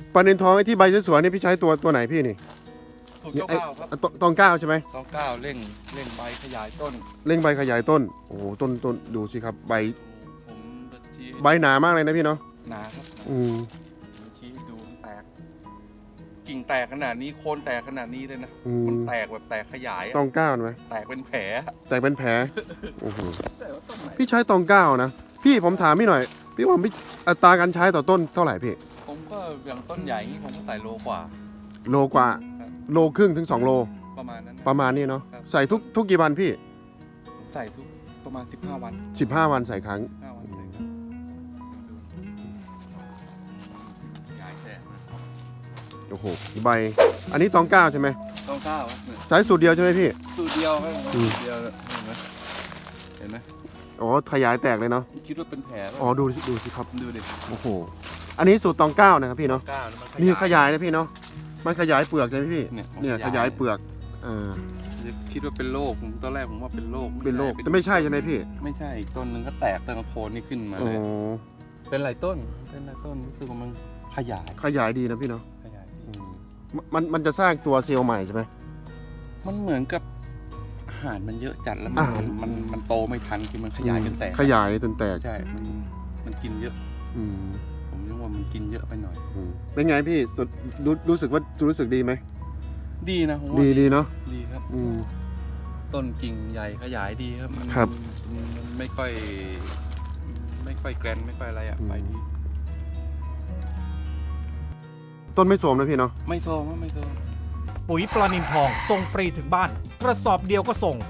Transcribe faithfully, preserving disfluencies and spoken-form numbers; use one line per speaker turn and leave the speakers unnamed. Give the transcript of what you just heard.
ปลานิลทองไอ้ที่ใบสวยๆนี่พี่ใช้ตัวตัวไหนพี่นี่
สูตรเก้าเก้าครับ
อ่ะตตองเก้าใช่ไหม
ต้องเก้าเร่งเร่งใบขยายต้น
เร่งใบขยายต้นโอ้โหต้นต้นดูสิครับใบ
ผมจะชี้
ใบหนามากเลยนะพี่เนาะ
หนาครับ
อืม
ผมชี้ให้ดูมันแตก กิ่งแตกขนาดนี้โคนแตกขนาดนี้เลยนะ
อื
มัน
ม
แตกแบบแตกขยายอะ
ตองเก้าไหม
แตกเป็นแผล
แตกเป็นแผลโอ้โห
แต่ว่าต้นไหน
พี่ใช้ตองเก้านะพี่ผมถามพี่หน่อย พี่ว่าพี่อัตราการใช้ต่อต้นเท่าไหร่พี่
ผมก็อย่างต้นใหญ่อย่างนี้ผมก็ใส่โลกว่า
โลกว่า
ครับ
โลครึ่งถึงสองโล
ประมาณนั้นนะ
ประมาณนี้เนาะ
ครับ
ใส่ทุกทุกกี่วันพี่
ผมใส่ทุกประมาณสิบห้าวัน
สิบห้าวันใส่ครั้ง
ห้าวันใส่ครับขยายแตกนะ
โอ้โหใบอันนี้ตองเก้าใช่ไหม
ต้องเก้าครับเนี่ย
ใช้สูตรเดียวใช่ไหมพี่
สูตรเดียวครับ
อื
สู
ม
ตรเดียวเห็นไหมเห็นไหม
อ๋อขยายแตกเลยเนาะ
คิดว่าเป็นแผลป่ะ
อ๋อดูดูสิครับ
ดูดิ
โอ้โหอันนี้สูตรตองเก้านะครับพี่เนาะ
เก้านะมัน
นี่ขยายนะพี่เนาะมันขยายเปลือกใช่ไหมพี่
เนี่ย
เนี่ยขยายเปลือกอ่า
คิดว่าเป็นโรคผมตอนแรกผมว่าเป็นโรค
เป็นโรคแต่ไม่ใช่ใช่ไหมพี่
ไม่ใช่อีกต้นหนึงก็แตกตั้งแต่โคนนี่ขึ้นมา
อ๋อ
เลยเป็นหลายต้นเป็นหลายต้นรู้สึกว่ามันขยาย
ขยายดีนะพี่เนาะ
ขยาย
อืมมันมันจะสร้างตัวเซลล์ใหม่ใช่ไหม
มันเหมือนกับอาหารมันเยอะจัดแล้วมั
อาน หาร
มันมันโตไม่ทันคือมันขยายจนแตก
ขยายจนแตก
ใช่มันมันกินเยอะ
อืม
ผมนึกว่ามันกินเยอะไปหน่อย
อืมเป็นไงพี่สุดรู้รู้สึกว่ารู้สึกดีไหม
ดีนะผมว่า
ดีดีเนาะ
ดีครับ
อืม
ต้นกิ่งใหญ่ขยายดีครับมัน
ครับ
มันไม่ค่อย ไม่ค่อยแกรนไม่ค่อยอะไรอ่ะ
อืม
ไปดี
ต้นไม่โทรมนะพี่เนาะ
ไม่โซมครับไม่โซม
ปุ๋ยปลานิลทองส่งฟรีถึงบ้าน กระสอบเดียวก็ส่ง